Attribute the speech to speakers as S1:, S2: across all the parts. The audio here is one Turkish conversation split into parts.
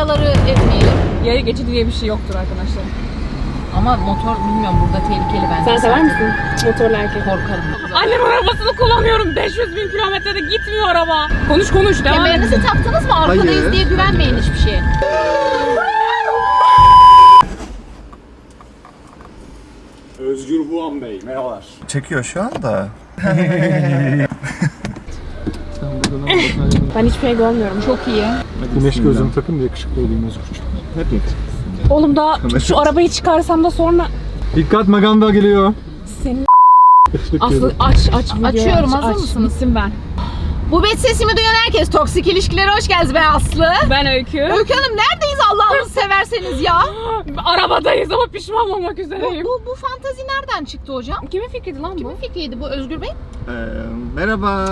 S1: Yayaları ezmeyelim.
S2: Yaya geçidi diye bir şey yoktur arkadaşlar.
S1: Ama motor bilmiyorum burada tehlikeli bence.
S2: Sen sever misin motorlu erkek?
S1: Korkarım.
S2: Annem arabasını kullanıyorum. 500 bin kilometrede gitmiyor araba. Konuş konuş devam et.
S1: Kemerinizi taktınız mı? Arkadayız
S3: Hayır.
S1: diye güvenmeyin hiçbir şeye.
S4: Özgür Buğan Bey, merhabalar.
S3: Çekiyor şu anda.
S2: Ben hiçbir şey görmüyorum.
S1: Çok iyi.
S4: Güneş gözlüğümü takın da yakışıklı olayım Özgür'cüğüm.
S3: Hep
S2: Oğlum da şu arabayı çıkarsam da sonra
S4: Dikkat, Maganda geliyor.
S2: senin
S4: Teşekkür
S2: Aslı
S4: ederim.
S2: aç videoyu
S1: Açıyorum,
S2: aç,
S1: hazır
S2: aç.
S1: mısınız?
S2: Bitsin ben.
S1: Bu bet sesimi duyan herkes toksik ilişkilere hoş geldiniz ben Aslı.
S2: Ben Öykü.
S1: Öykü Hanım neredeyiz Allah'ınızı severseniz ya?
S2: Arabadayız ama pişman olmak üzereyim.
S1: Bu fantazi nereden çıktı hocam?
S2: Kimin fikriydi lan bu?
S1: Kimin fikriydi bu Özgür Bey?
S3: Merhaba.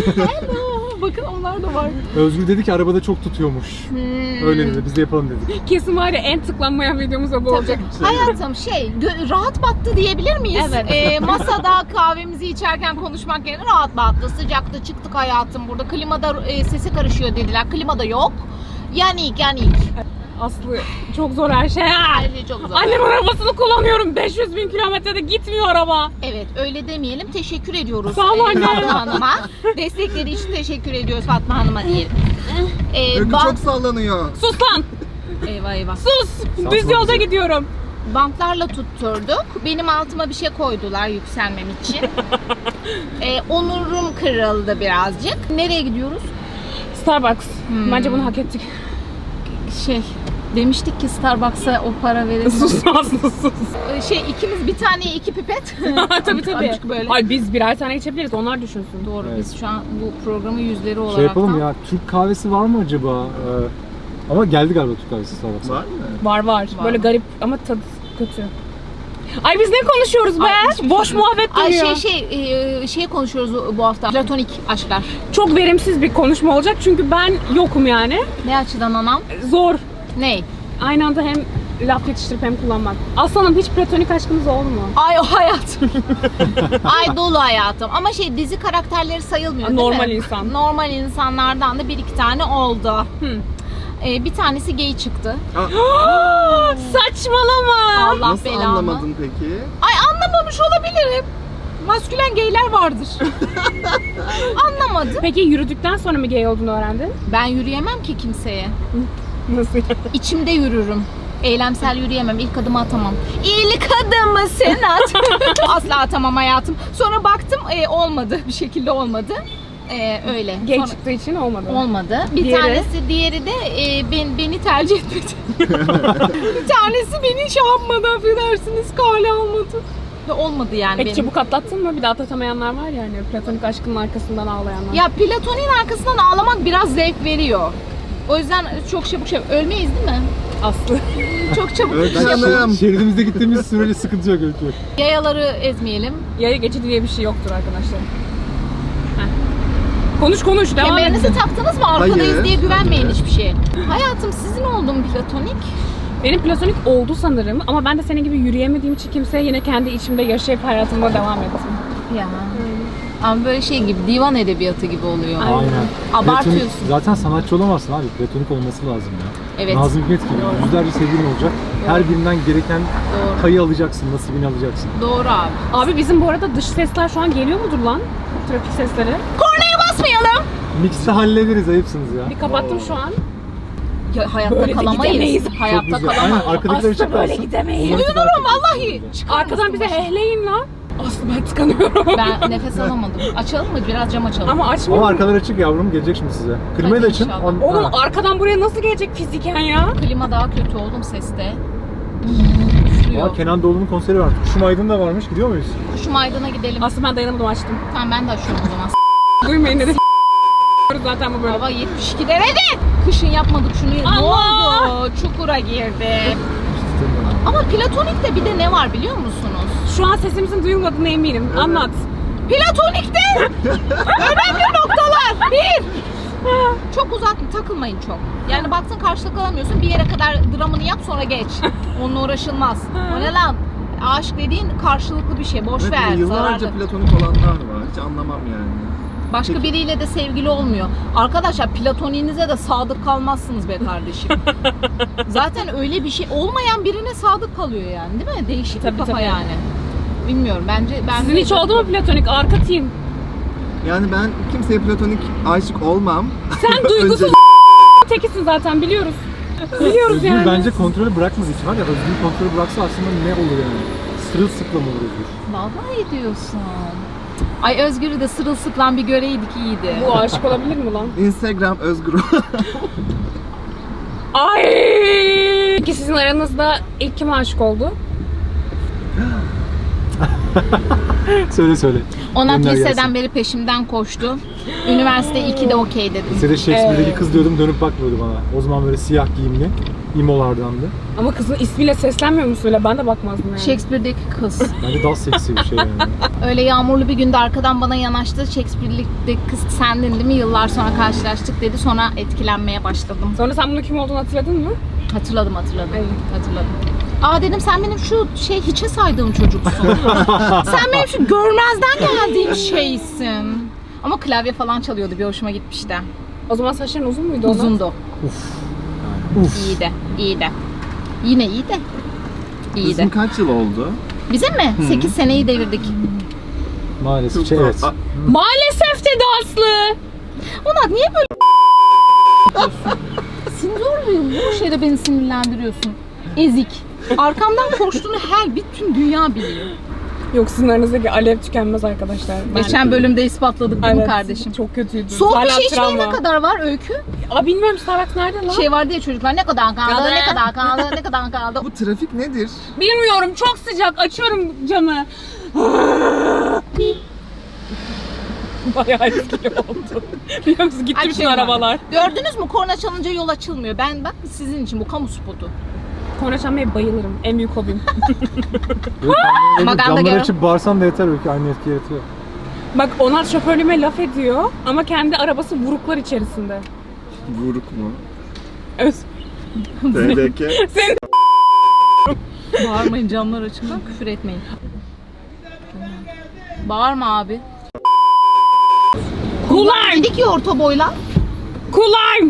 S2: Bakın onlar da var.
S4: Özgür dedi ki arabada çok tutuyormuş. Öyle dedi, biz de yapalım dedik.
S2: Kesin var ya en tıklanmayan videomuz da bu olacak.
S1: Hayatım rahat battı diyebilir miyiz?
S2: Evet.
S1: Masada kahvemizi içerken konuşmak yerine rahat battı. Sıcakta çıktık hayatım burada. Klimada sesi karışıyor dediler. Klimada yok. Yanik.
S2: Aslı çok zor her şey.
S1: Her şey çok zor.
S2: Annem arabasını kullanıyorum. 500 bin kilometrede gitmiyor araba.
S1: Evet öyle demeyelim. Teşekkür ediyoruz
S2: Sağ ol anne.
S1: Fatma Hanım'a. Destekleri için teşekkür ediyoruz Fatma Hanım'a diyelim.
S3: Öykü çok sallanıyor.
S2: Sus lan.
S1: Eyvah.
S2: Sus. Düz yolda gidiyorum.
S1: Bantlarla tutturduk. Benim altıma bir şey koydular yükselmem için. Onurum kırıldı birazcık. Nereye gidiyoruz?
S2: Starbucks. Bence bunu hak ettik.
S1: Demiştik ki Starbucks'a o para verelim.
S2: Sus Aslı sus.
S1: İkimiz bir taneye 2 pipet.
S2: tabii.
S1: Azıcık böyle.
S2: Ay biz birer tane içebiliriz. Onlar düşünsün.
S1: Doğru
S4: Evet.
S1: biz şu an bu programın yüzleri olarak
S4: Şey yapalım ya, Türk kahvesi var mı acaba? Ama geldi galiba Türk kahvesi Starbucks'a.
S3: Var mı?
S2: Var. Böyle garip ama tadı kötü. Ay biz ne konuşuyoruz be?
S1: Ay,
S2: Boş muhabbet dönüyor.
S1: Şey konuşuyoruz bu hafta. Platonik aşklar.
S2: Çok verimsiz bir konuşma olacak çünkü ben yokum yani.
S1: Ne açıdan anam?
S2: Zor.
S1: Ne?
S2: Aynı anda hem laf yetiştirip hem kullanmak. Aslanım hiç platonik aşkınız oldu mu?
S1: Ay o hayatım. Ay dolu hayatım. Ama dizi karakterleri sayılmıyor değil
S2: Normal
S1: mi?
S2: insan.
S1: Normal insanlardan da 1-2 tane oldu.
S2: Hı.
S1: Bir tanesi gay çıktı.
S2: Saçmalama.
S1: Allah
S3: Nasıl
S1: belamı.
S3: anlamadın peki?
S1: Ay anlamamış olabilirim. Maskülen gayler vardır. Anlamadım.
S2: Peki yürüdükten sonra mı gay olduğunu öğrendin?
S1: Ben yürüyemem ki kimseye.
S2: Nasıl yani?
S1: İçimde yürürüm. Eylemsel yürüyemem. İlk adımı atamam. İlk adımı sen at. Asla atamam hayatım. Sonra baktım olmadı. Bir şekilde olmadı. Öyle.
S2: Gay
S1: Sonra-
S2: çıktığı için olmadı.
S1: Olmadı. Bir
S2: Diğeri?
S1: tanesi, diğeri de beni tercih etmedi. Bir tanesi beni şey yapmadı, affedersiniz, kale almadı. Ve olmadı yani
S2: Peki
S1: benim.
S2: çabuk atlattın mı? Bir de atlatamayanlar var ya hani platonik aşkının arkasından ağlayanlar.
S1: Ya platonin arkasından ağlamak biraz zevk veriyor. O yüzden çok çabuk ölmeyiz değil mi?
S2: Aslı.
S1: Çok çabuk
S3: Canım.
S4: Şeridimizde gittiğimiz sürece sıkıntı yok Öykü.
S1: Yayaları ezmeyelim.
S2: Yaya geçidi diye bir şey yoktur arkadaşlar. Heh. Konuş devam et.
S1: Kemerinizi taktınız mı? Arkadayız
S3: Hayır.
S1: diye güvenmeyin hiçbir şeye. Hayatım sizin oldu mu platonik?
S2: Benim platonik oldu sanırım ama ben de senin gibi yürüyemediğim için kimseye yine kendi içimde yaşayıp hayatımda devam ettim.
S1: Ya. Ama böyle şey gibi, divan edebiyatı gibi oluyor.
S4: Aynen.
S1: Abartıyorsun.
S4: Platonik- zaten sanatçı olamazsın abi. Platonik olması lazım ya.
S1: Evet.
S4: Nazım Hikmet gibi yüzlerce sevgilin olacak. Her birinden gereken
S1: Doğru.
S4: payı alacaksın, nasibini alacaksın.
S1: Doğru abi.
S2: Abi bizim bu arada dış sesler şu an geliyor mudur lan? Trafik sesleri.
S1: Kornaya basmayalım.
S4: Mix'te hallederiz, ayıpsınız ya.
S2: Bir kapattım şu an.
S1: Ya, hayatta
S2: Böyle de
S1: kalamayız.
S2: gidemeyiz.
S1: Hayatta
S4: Çok güzel. Aynen,
S1: kalamayız.
S4: arkadakiler
S2: Aslı böyle
S4: çıkarsın.
S2: gidemeyiz.
S4: Onları
S1: Duyuyorum
S4: takip edin.
S1: vallahi. Çıkar
S2: Arkadan
S1: mısın
S2: bize
S1: başına?
S2: hehleyin lan. Aslı ben tıkanıyorum.
S1: Ben nefes alamadım. Açalım mı? Biraz cam açalım.
S2: Ama
S4: Ama
S2: açmıyor.
S4: arkalar açık yavrum, gelecek şimdi size. Klimayı da
S1: Hadi
S4: açın.
S1: inşallah.
S2: Oğlum
S4: Ha.
S2: arkadan buraya nasıl gelecek fiziken ya?
S1: Klima daha kötü oğlum seste.
S4: Aa,
S1: Üflüyor.
S4: Kenan Doğulu'nun konseri var. Kuşum Aydın da varmış. Gidiyor muyuz?
S1: Kuşum Aydın'a gidelim.
S2: Aslı ben dayanamadım açtım.
S1: Tamam ben de açıyorum o zaman.
S2: Duymayın dedi. Zaten bu böyle.
S1: Baba 72 derece. Kışın yapmadık şunu. Ne
S2: Allah!
S1: oldu? Çukura girdi. Ama platonikte bir de ne var biliyor musunuz?
S2: Şu an sesimizin duyulmadığına eminim. Anlat.
S1: Platonikte önemli noktalar. Bir. Çok uzak takılmayın çok. Yani baktın karşılık alamıyorsun bir yere kadar dramını yap sonra geç. Onunla uğraşılmaz. O ne lan? Aşk dediğin karşılıklı bir şey. Boş
S3: Evet,
S1: ver.
S3: yıllarca
S1: Zararlı.
S3: platonik olanlar var. Hiç anlamam yani.
S1: Başka
S3: Peki.
S1: biriyle de sevgili olmuyor. Arkadaşlar platoniğinize de sadık kalmazsınız be kardeşim. Zaten öyle bir şey olmayan birine sadık kalıyor yani, değil mi? Değişik bir
S2: Tabii,
S1: kafa
S2: tabii.
S1: yani. Bilmiyorum bence.
S2: Sizin hiç oldu mu platonik arka team?
S3: Yani ben kimseye platonik aşık olmam.
S2: Sen duygusuz
S3: Önce-
S2: tekisin zaten biliyoruz. Biliyoruz
S4: Özgür
S2: yani.
S4: bence kontrolü bırakmadığı için var ya, Özgür kontrolü bıraksa aslında ne olur yani? Sırılsıklam olur Özgür.
S1: Vallahi diyorsun. Ay Özgür'ü de sırılsıklam bir göreydik iyiydi.
S2: Bu aşık olabilir mi lan?
S3: Instagram Özgür.
S2: Ay! Peki sizin aranızda ilk kim aşık oldu?
S4: Söyle.
S1: Onat
S4: Gönder
S1: liseden
S4: gelsin.
S1: beri peşimden koştu. Üniversite 2'de okey dedim.
S4: Lisede Shakespeare'deki
S2: Evet.
S4: kız diyordum, dönüp bakmıyordu bana. O zaman böyle siyah giyimli, imolardandı.
S2: Ama kızın ismiyle seslenmiyor musun öyle? Ben de bakmazdım yani.
S1: Shakespeare'deki kız.
S4: Bence daha seksi bir şey yani.
S1: Öyle yağmurlu bir günde arkadan bana yanaştı. Shakespeare'deki kız sendin değil mi? Yıllar sonra karşılaştık dedi. Sonra etkilenmeye başladım.
S2: Sonra sen bunun kim olduğunu hatırladın mı?
S1: Hatırladım.
S2: Ay.
S1: Hatırladım. Aa dedim sen benim şu hiçe saydığım çocuksun. Sen benim şu görmezden geldiğim şeysin. Ama klavye falan çalıyordu. Bir hoşuma gitmişti.
S2: O zaman saçların uzun muydu Onat?
S1: Uzundu.
S4: Uf.
S1: İyiydi. Yine iyiydi.
S3: Bizim kaç yıl oldu?
S1: Bizim mi? 8 seneyi devirdik.
S4: Maalesef
S3: Çok
S4: evet.
S3: da-
S2: Maalesef dedi Aslı.
S1: Onat niye böyle sinirliyim. Bu şeyde beni sinirlendiriyorsun. Ezik. Arkamdan koştuğunu bütün dünya biliyor.
S2: Yok sizin aranızdaki alev tükenmez arkadaşlar.
S1: Geçen bölümde ispatladık değil mi
S2: Evet,
S1: kardeşim?
S2: Çok kötüydü.
S1: Soğuk bir
S2: Hala
S1: şey içmeye ne
S2: travma.
S1: kadar var Öykü?
S2: Aa bilmiyorum Starbucks nerede lan?
S1: Şey vardı ya çocuklar ne kadar kaldı,
S2: Kaldı.
S1: ne kadar kaldı, ne kadar kaldı.
S3: Bu trafik nedir?
S2: Bilmiyorum çok sıcak açıyorum camı. Bayağı etkili oldu. Biliyor musun gitti bütün
S1: Açıyorum.
S2: arabalar.
S1: Gördünüz mü korna çalınca yol açılmıyor. Ben bak sizin için bu kamu spotu.
S2: Korna çalmaya bayılırım. En büyük hobim.
S1: Maganda
S4: Camları
S1: gel.
S4: açıp bağırsan da yeter, öyle aynı etki yaratıyor.
S2: Bak Onat şoförlüğüme laf ediyor ama kendi arabası vuruklar içerisinde.
S3: Vuruk mu?
S2: Öz.
S3: TDK.
S2: Senin
S1: Bağırmayın camlar açık lan küfür etmeyin. Bağırma abi.
S2: kulağım.
S1: Dedik ya orta boyla.
S2: Kulağım.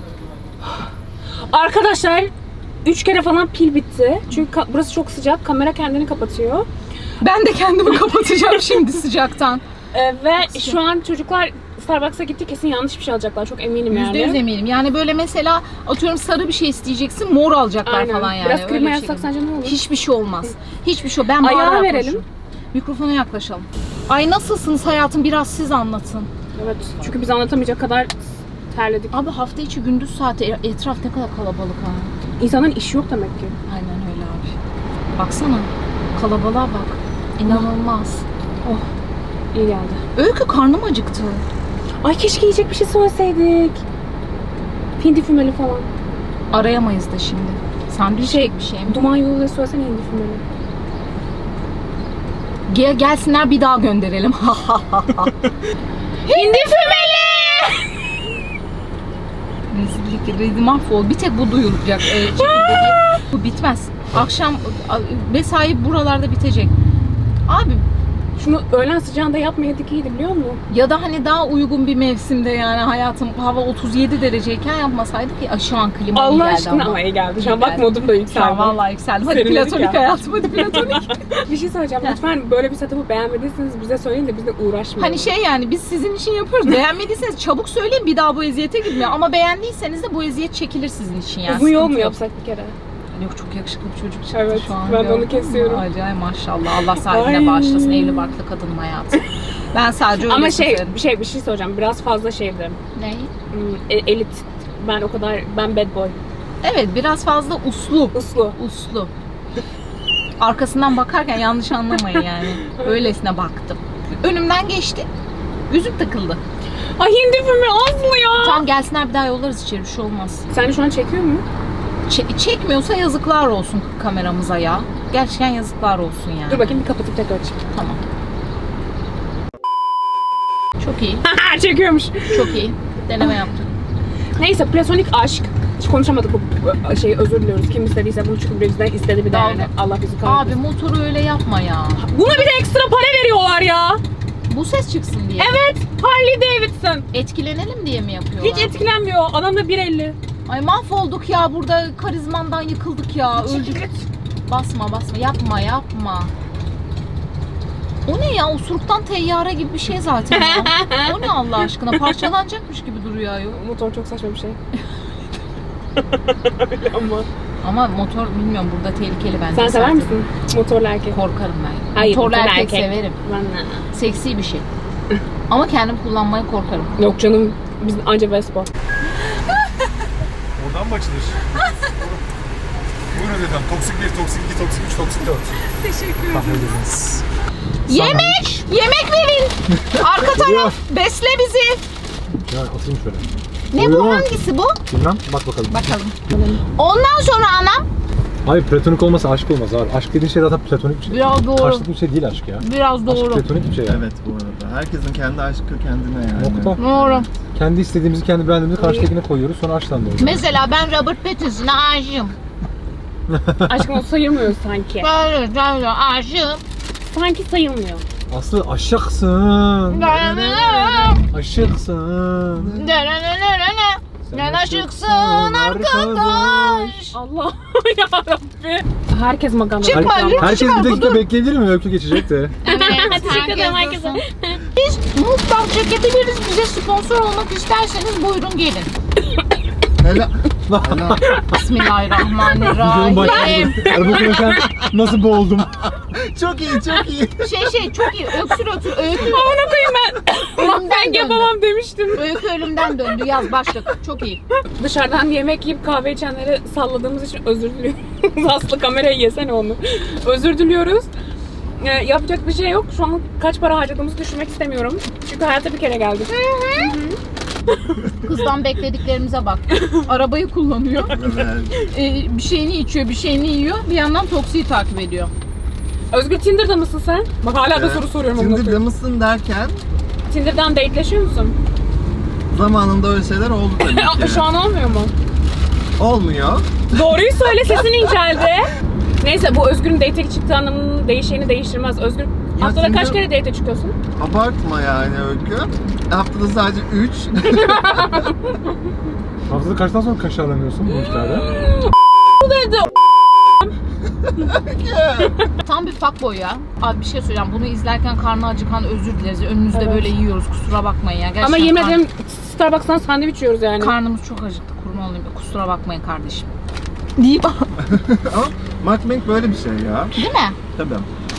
S2: Arkadaşlar 3 kere falan pil bitti. Çünkü burası çok sıcak. Kamera kendini kapatıyor.
S1: Ben de kendimi kapatacağım şimdi sıcaktan.
S2: Ve şu an çocuklar Starbucks'a gitti kesin yanlış bir şey alacaklar. Çok eminim yani.
S1: %100 eminim. Yani böyle mesela atıyorum sarı bir şey isteyeceksin mor alacaklar
S2: Aynen.
S1: falan yani.
S2: Biraz
S1: Öyle
S2: klima
S1: bir
S2: yazsak
S1: şey.
S2: sence ne olur?
S1: Hiçbir şey olmaz. Hiçbir şey. Ben
S2: Ayağı
S1: bağırarak
S2: verelim.
S1: konuşurum. Mikrofona yaklaşalım. Ay nasılsınız hayatım? Biraz siz anlatın.
S2: Evet. Çünkü biz anlatamayacak kadar terledik.
S1: Abi hafta içi gündüz saati etraf ne kadar kalabalık ha.
S2: İnsanların işi yok demek ki.
S1: Aynen öyle abi. Baksana. Kalabalığa bak. İnanılmaz.
S2: Oh. İyi geldi.
S1: Öykü karnım acıktı.
S2: Ay keşke yiyecek bir şey söyleseydik. Hindi fümeli falan.
S1: Arayamayız da şimdi. Sandviç
S2: Şey-
S1: bir şey mi?
S2: Duman yoluyla söylesene hindi fümeli.
S1: Gelsinler bir daha gönderelim.
S2: Hindi fümeli!
S1: Rezillik, mahvol. Bir tek bu duyulacak. Çekildi diye. Bu bitmez. Akşam mesai buralarda bitecek. Abi
S2: Şunu öğlen sıcağında yapmayaydık iyiydi biliyor musun?
S1: ya da hani daha uygun bir mevsimde yani hayatım hava 37 dereceyken yapmasaydık ya. Ay, şu an klima iyi
S2: Allah
S1: geldi
S2: aşkına
S1: ama.
S2: ama iyi geldi. Şu an
S1: İyi
S2: bak
S1: geldi.
S2: modum da
S1: Şu
S2: yükseldi.
S1: an vallahi yükseldim. Hadi
S2: Serinledik
S1: platonik
S2: ya.
S1: hayatım hadi platonik.
S2: Bir şey söyleyeceğim. Lütfen böyle bir setup'ı beğenmediyseniz bize söyleyin de biz de uğraşmayalım.
S1: Hani şey yani biz sizin için yapıyoruz. Beğenmediyseniz çabuk söyleyin bir daha bu eziyete gitmiyor. Ama beğendiyseniz de bu eziyet çekilir sizin için yani.
S2: uzun yol
S1: Sıkıntı
S2: mu
S1: yok.
S2: yapsak bir kere?
S1: Yok çok yakışıklı bir çocuk çıktı
S2: Evet,
S1: şu an.
S2: ben de
S1: gördün
S2: onu
S1: mü?
S2: kesiyorum.
S1: Acayip maşallah. Allah sahibine
S2: Ay.
S1: bağışlasın evli barklı kadın hayatı. Ben sadece öyle
S2: Ama
S1: severim.
S2: bir şey söyleyeceğim. Biraz fazla şeydi.
S1: Ne?
S2: Elit. Ben bad boy.
S1: Evet biraz fazla uslu.
S2: Uslu.
S1: Uslu. Arkasından bakarken yanlış anlamayın yani. Öylesine baktım. Önümden geçti. Yüzük takıldı.
S2: Ay hindi filmi Aslı ya.
S1: Tamam gelsinler bir daha yollarız içeri bir şey olmaz.
S2: Sen şu an çekiyor mu?
S1: Çekmiyorsa yazıklar olsun kameramıza ya. Gerçekten yazıklar olsun yani.
S2: Dur bakayım bir kapatıp tekrar açayım.
S1: Tamam. Çok iyi.
S2: Çekiyormuş.
S1: Çok iyi. Deneme yaptık.
S2: Neyse platonik aşk. Hiç konuşamadık bu şeyi özür diliyoruz. Kim istediyse bunu çünkü bizden istedi bir de
S1: Dalga.
S2: yani. Allah bizi
S1: Abi
S2: kahretsin.
S1: motoru öyle yapma ya.
S2: Buna bir de ekstra para veriyorlar ya.
S1: Bu ses çıksın diye.
S2: Evet, Harley Davidson.
S1: Etkilenelim diye mi yapıyorlar?
S2: Hiç etkilenmiyor. Adam da 1.50.
S1: Ay mahvolduk ya burada, karizmandan yıkıldık ya. Öldük. Basma yapma. O ne ya? Osuruktan teyyare gibi bir şey zaten ya. O ne Allah aşkına? Parçalanacakmış gibi duruyor ayol.
S2: Motor çok saçma bir şey. Öyle
S1: Ama motor bilmiyorum, burada tehlikeli bence.
S2: Sen sever
S1: zaten.
S2: misin motorlu erkek?
S1: Korkarım ben.
S2: Hayır,
S1: motorlu
S2: motorlu
S1: erkek
S2: erkek.
S1: severim.
S2: Ben de.
S1: Seksi bir şey. Ama kendim kullanmaya korkarım.
S2: Yok canım, biz anca Vespa.
S4: Oradan mı açılır? Buyurun efendim. Toksik 1, toksik 2, toksik 3, toksik 4.
S2: Teşekkür
S4: Kahvediniz.
S1: Yemek verin. Arka taraf besle bizi.
S4: Ya atayım şöyle.
S1: Ne
S4: Buyurun.
S1: bu, hangisi bu?
S4: Bilmem. Bak bakalım.
S1: Bakalım. Ondan sonra anam.
S4: Hayır, platonik olmasa aşk olmaz abi. Aşk dediğin şey zaten platonik bir şey.
S1: Biraz doğru.
S4: Karşılıklı bir şey değil aşk ya.
S1: Biraz doğru.
S4: Aşk platonik bir şey yani.
S3: Evet bu arada. Herkesin kendi aşkı kendine yani.
S4: Nokta.
S1: Doğru.
S4: Kendi istediğimizi, kendi beğendiğimizi karşıdakine koyuyoruz. Sonra aşktan doğuyor.
S1: Mesela ben Robert Pattinson'a aşığım.
S2: Aşkım o sayılmıyor sanki.
S1: Böyle aşığım.
S2: Sanki sayılmıyor.
S4: Aslı aşıksın. Aşıksın.
S1: Sen aşıksın arkadaş.
S2: Allah yarabbim. Herkes maganda.
S1: Çıkma, lütfen.
S4: Herkes bir dakika bekleyebilir mi? Öykü geçecek de.
S1: Evet,
S2: Teşekkür ederim
S1: herkes
S2: herkese.
S1: dursun. Biz mutfak çekebiliriz. Bize sponsor olmak isterseniz buyurun gelin.
S3: Helal. Helal.
S4: Videonun
S1: Bismillahirrahmanirrahim.
S4: başında. Araba konuşan nasıl boğuldum?
S3: Çok iyi, çok iyi.
S1: Çok iyi. Öksür. Öykü.
S2: Amına koyayım ben. Ben yapamam demiştim.
S1: Öykü ölümden döndü. Yaz başlık. Çok iyi.
S2: Dışarıdan yemek yiyip kahve içenleri salladığımız için özür diliyoruz. Aslı kamerayı yesene onu. Özür diliyoruz. Yapacak bir şey yok. Şu an kaç para harcadığımızı düşünmek istemiyorum. Çünkü hayata bir kere geldik.
S1: Kızdan beklediklerimize bak. Arabayı kullanıyor.
S3: Evet.
S1: Bir şeyini içiyor, bir şeyini yiyor. Bir yandan Toksi'yi takip ediyor.
S2: Özgür Tinder'da mısın sen? Bak hala da soru soruyorum. amına
S3: Tinder'da
S2: koyayım.
S3: mısın derken
S2: Tinder'dan dateleşiyor musun?
S3: zamanında öyle şeyler oldu tabii ki.
S2: Şu an olmuyor mu?
S3: Olmuyor.
S2: Doğruyu söyle, sesin inceldi. Neyse, bu Özgür'ün date'e çıktığı anlamının değişeni değiştirmez. Özgür haftada
S3: Tinder-
S2: kaç kere date'e çıkıyorsun?
S3: Abartma yani Öykü. Haftada sadece 3.
S4: Haftada kaçtan sonra kaşarlanıyorsun bu işlerde?
S2: Bu dedi.
S1: Tam bir fuckboy ya. Abi bir şey söyleyeceğim. Bunu izlerken karnı acıkan özür dileriz. Önünüzde
S2: Evet.
S1: böyle yiyoruz. Kusura bakmayın ya. Gerçekten
S2: Ama yemin ederim Starbucks'tan sandviç yiyoruz yani.
S1: karnımız çok acıktı. Kurban olayım. Kusura bakmayın kardeşim. Deyip
S3: Ama mukbang böyle bir şey ya.
S1: değil mi?
S3: Tabii.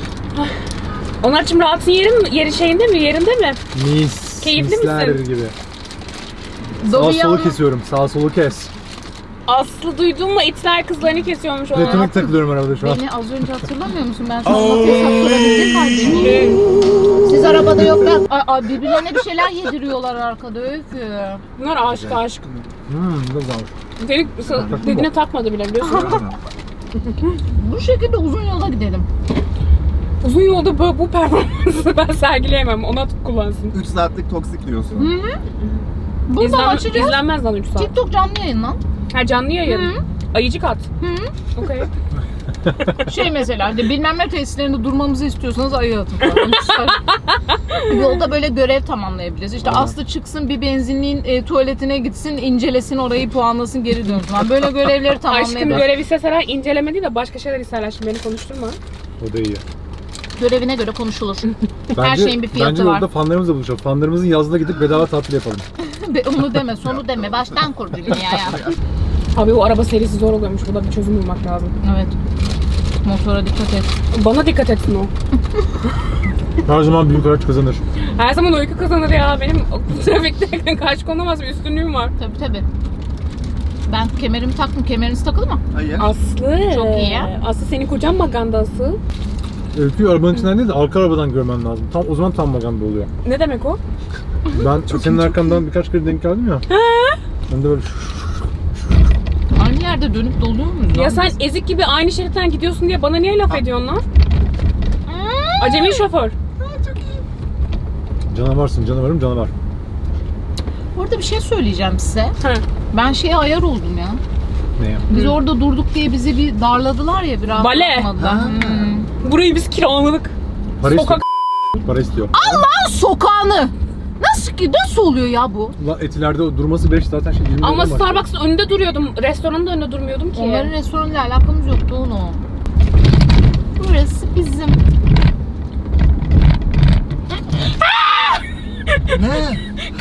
S2: Onlar için rahatsın yeri şeyinde mi? Yerinde mi?
S4: Mis.
S2: Keyifli
S4: misler
S2: misin?
S4: gibi. Sağ
S1: Dobby'yi
S4: solu
S1: alma.
S4: kesiyorum. Sağ solu kes.
S2: Aslı duydun mu? İtler kızlarını kesiyormuş ona.
S4: Platonik takılıyorum arabada şu an.
S1: Beni az önce hatırlamıyor musun? Ben sana nasıl hesap sorabilecek haldeyim. Siz arabada yoklar. Birbirlerine bir şeyler yediriyorlar arkada Öykü.
S2: Bunlar aşk.
S4: Bu da güzelmiş.
S2: Senin dediğine takmadı bile biliyorsun.
S1: Bu şekilde uzun yola gidelim.
S2: Uzun yolda bu performansı ben sergileyemem. Ona kullansın.
S3: 3 saatlik toksik diyorsun.
S1: Buradan açacağız.
S2: İzlenmez lan 3 saat.
S1: TikTok canlı yayın lan.
S2: Ha, canlı yayın. Ayıcık at. Okey.
S1: Şey mesela de bilmem ne tesislerinde durmamızı istiyorsanız ayı atın falan. Yolda böyle görev tamamlayabiliriz. İşte Aslı çıksın bir benzinliğin tuvaletine gitsin, incelesin orayı, puanlasın, geri dönsün. Yani böyle görevleri
S2: Aşkım
S1: tamamlayabiliriz.
S2: görev isteseler inceleme değil de başka şeyler isterler. Şimdi beni konuşturma.
S4: O da iyi.
S1: Görevine göre konuşulur. Her şeyin bir fiyatı
S4: bence
S1: var.
S4: orada fanlarımızla buluşalım. Fanlarımızın yazına gidip bedava tatil yapalım.
S1: Onu deme, sonu deme. Baştan kur dünyaya.
S2: Abi o araba serisi zor oluyormuş. Burada bir çözüm bulmak lazım.
S1: Evet. Motora dikkat et.
S2: Bana dikkat etsin o.
S4: Her zaman büyük araç kazanır.
S2: Her zaman uyku kazanır ya. Benim trafikte karşı konulmaz bir üstünlüğüm var.
S1: Tabii. Ben kemerimi taktım. Kemeriniz takılı mı?
S3: Hayır.
S2: Aslı.
S1: Çok iyi ya.
S2: Aslı senin kocan magandası.
S4: Öyküyü arabanın içinden değil de arka arabadan görmen lazım. O zaman tam maganda oluyor.
S2: Ne demek o?
S4: Ben senin arkandan birkaç kere denk geldim ya. Ben de böyle
S1: Aynı yerde dönüp doluyor muyuz?
S2: Ya
S1: lan
S2: sen
S1: biz?
S2: ezik gibi aynı şeritten gidiyorsun diye bana niye laf ediyorsun lan? Acemi şoför.
S4: canavarsın, canavarım canavar.
S1: Orada bir şey söyleyeceğim size.
S2: Ha.
S1: Ben şeye ayar oldum ya.
S4: Ne ya?
S1: Biz orada durduk diye bizi bir darladılar ya, bir rahat
S2: Bale.
S1: bırakmadılar.
S3: Ha.
S2: Burayı biz kiraladık.
S4: Parayı
S2: Sokak
S4: para istiyor.
S1: Allah'ın sokağını. Nasıl oluyor ya bu?
S4: Ulan Etiler'de durması 5 zaten şey 20
S2: Ama
S4: lira var.
S2: Starbucks'ın önünde duruyordum. Restoranın da önünde durmuyordum ki.
S1: Onların restoranıyla alakamız yoktu onu. Burası bizim.
S3: Ne?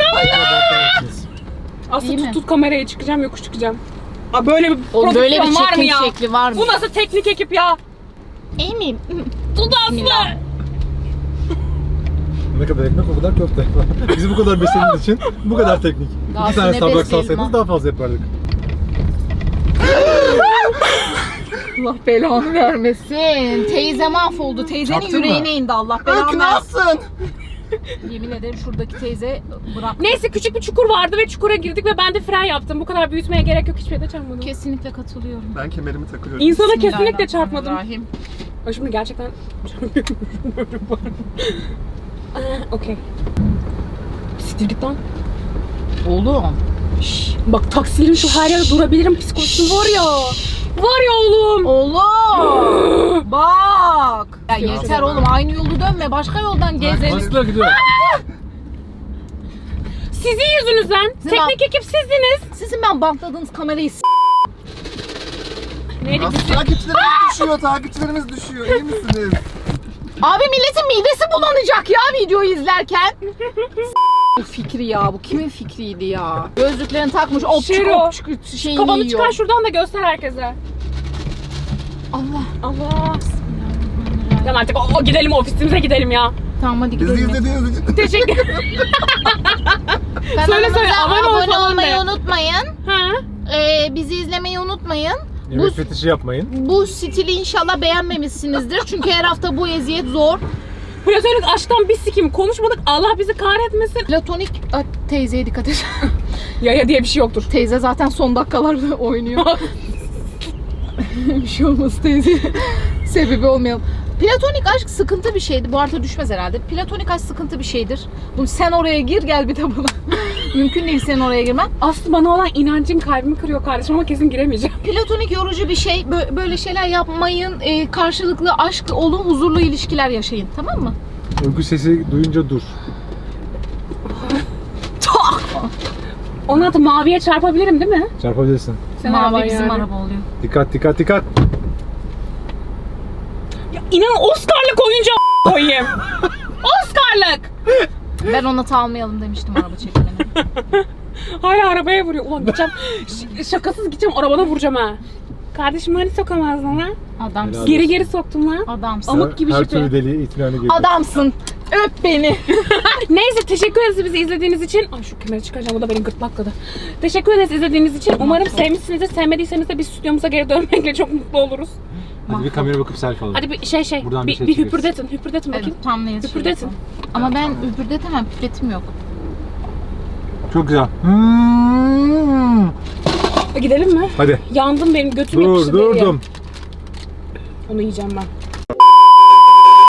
S2: Aslı
S1: İyi mi?
S2: tut kamerayı, çıkacağım, yokuş çıkacağım. Aa, böyle bir
S1: O böyle bir
S2: prodüksiyon var mı
S1: çekim
S2: ya?
S1: şekli var mı?
S2: Bu nasıl teknik ekip ya?
S1: İyi miyim?
S2: Tut Aslı.
S1: Bismillah.
S4: Ne kadar ekmek o kadar köfte. Bizi bu kadar beslediğiniz için bu kadar teknik.
S1: Daha
S4: 2 tane
S1: sene
S4: Starbucks
S1: besleyelim
S4: alsaydınız
S1: ha.
S4: daha fazla yapardık.
S1: Allah belanı vermesin. Teyze mahvoldu. Teyzenin
S3: Çaktın mı?
S1: yüreğine indi Allah belanı versin.
S3: Nasılsın?
S1: Yemin ederim şuradaki teyze bırak.
S2: Neyse küçük bir çukur vardı ve çukura girdik ve ben de fren yaptım. Bu kadar büyütmeye gerek yok, hiçbir yere çarpmadım.
S1: Kesinlikle katılıyorum.
S3: Ben kemerimi takıyorum.
S2: İnsana kesinlikle çarpmadım.
S1: Bismillahirrahmanirrahim.
S2: Ay şimdi gerçekten okey. Siktir git lan.
S1: Oğlum.
S2: Bak taksilerin şu her yerde durabilirim psikolojisi var ya. Var ya oğlum.
S1: Oğlum. Bak. Ya yeter oğlum, aynı yolu dönme, başka yoldan gezelim.
S4: Nasıl gidiyor?
S2: Sizin yüzünüzden. Teknik ekip sizdiniz.
S1: Sizin ben bantladığınız kamerayı
S2: Neydi?
S3: Nasıl takipçilerimiz düşüyor. İyi misiniz?
S1: Abi milletin midesi bulanacak ya videoyu izlerken. Bu fikri ya, bu kimin fikriydi ya? Gözlüklerini takmış,
S2: Şero.
S1: opçuk şeyini
S2: Kafanı
S1: yiyor.
S2: çıkar şuradan da göster herkese.
S1: Allah.
S2: Allah. Tamam artık gidelim ofisimize gidelim ya.
S1: Tamam hadi
S3: Bizi
S1: gidelim.
S3: izlediğiniz için
S2: Teşekkür
S1: Kanalımıza
S2: söyle, abone ol
S1: abone
S2: falan
S1: olmayı
S2: de.
S1: unutmayın.
S2: Ha?
S1: Bizi izlemeyi unutmayın.
S4: Yemek fetişi yapmayın.
S1: Bu stili inşallah beğenmemişsinizdir. Çünkü her hafta bu eziyet zor.
S2: Platonik aşktan bir sikim konuşmadık. Allah bizi kahretmesin.
S1: Platonik teyzeye dikkat et.
S2: Ya diye bir şey yoktur.
S1: Teyze zaten son dakikalarda oynuyor. Bir şey olmaz teyze. Sebebi olmayalım. Platonik aşk sıkıntı bir şeydi. Bu arada düşmez herhalde. Platonik aşk sıkıntı bir şeydir. Bunu sen oraya gir gel bir de buna. Mümkün değil senin oraya girmen.
S2: Aslı bana olan inancın kalbimi kırıyor kardeşim ama kesin giremeyeceğim.
S1: Platonik yorucu bir şey. Böyle şeyler yapmayın. Karşılıklı aşk olun, huzurlu ilişkiler yaşayın. Tamam mı?
S4: Uyku sesi duyunca dur.
S2: Onun adı maviye çarpabilirim değil mi?
S4: Çarpabilirsin.
S2: Sen
S1: Mavi
S2: araban
S1: bizim
S2: yani.
S1: araba oluyor.
S4: Dikkat dikkat dikkat.
S2: Ya inan Oscar'lık oyuncu koyayım. Oscar'lık.
S1: Ben ona almayalım demiştim araba çekimine.
S2: Hala arabaya vuruyor. Ulan gideceğim. Şakasız gideceğim arabana vuracağım ha. Kardeşim hani sokamazdın lan?
S1: Adamsın.
S4: Helal.
S2: Geri soktum lan.
S1: Adamsın.
S2: Amık gibi
S4: Her
S2: jipi.
S4: türlü deliğe itinanı girdi.
S1: Adamsın. Öp beni.
S2: Neyse teşekkür ederiz bizi izlediğiniz için. Ay şu kemeri çıkaracağım, o da benim gırtlakladı. Teşekkür ederiz izlediğiniz için. Umarım sevmişsinizdir. Sevmediyseniz de biz stüdyomuza geri dönmekle çok mutlu oluruz.
S4: Hadi bir kameraya bakıp selfie alalım.
S2: Hadi bir şey
S4: Buradan bir
S2: bir,
S4: şey
S2: bir
S4: çıkıyoruz.
S2: hüpürdetin. Hüpürdetin bakayım.
S1: Evet, tam ne yazıyor?
S2: Hüpürdetin.
S1: Ama ben hüpürdetemem. Pipletim yok.
S4: Çok güzel.
S2: Gidelim mi?
S4: Hadi.
S2: Yandım, benim götüm yapıştı deriye.
S4: Durdum.
S2: Onu yiyeceğim ben.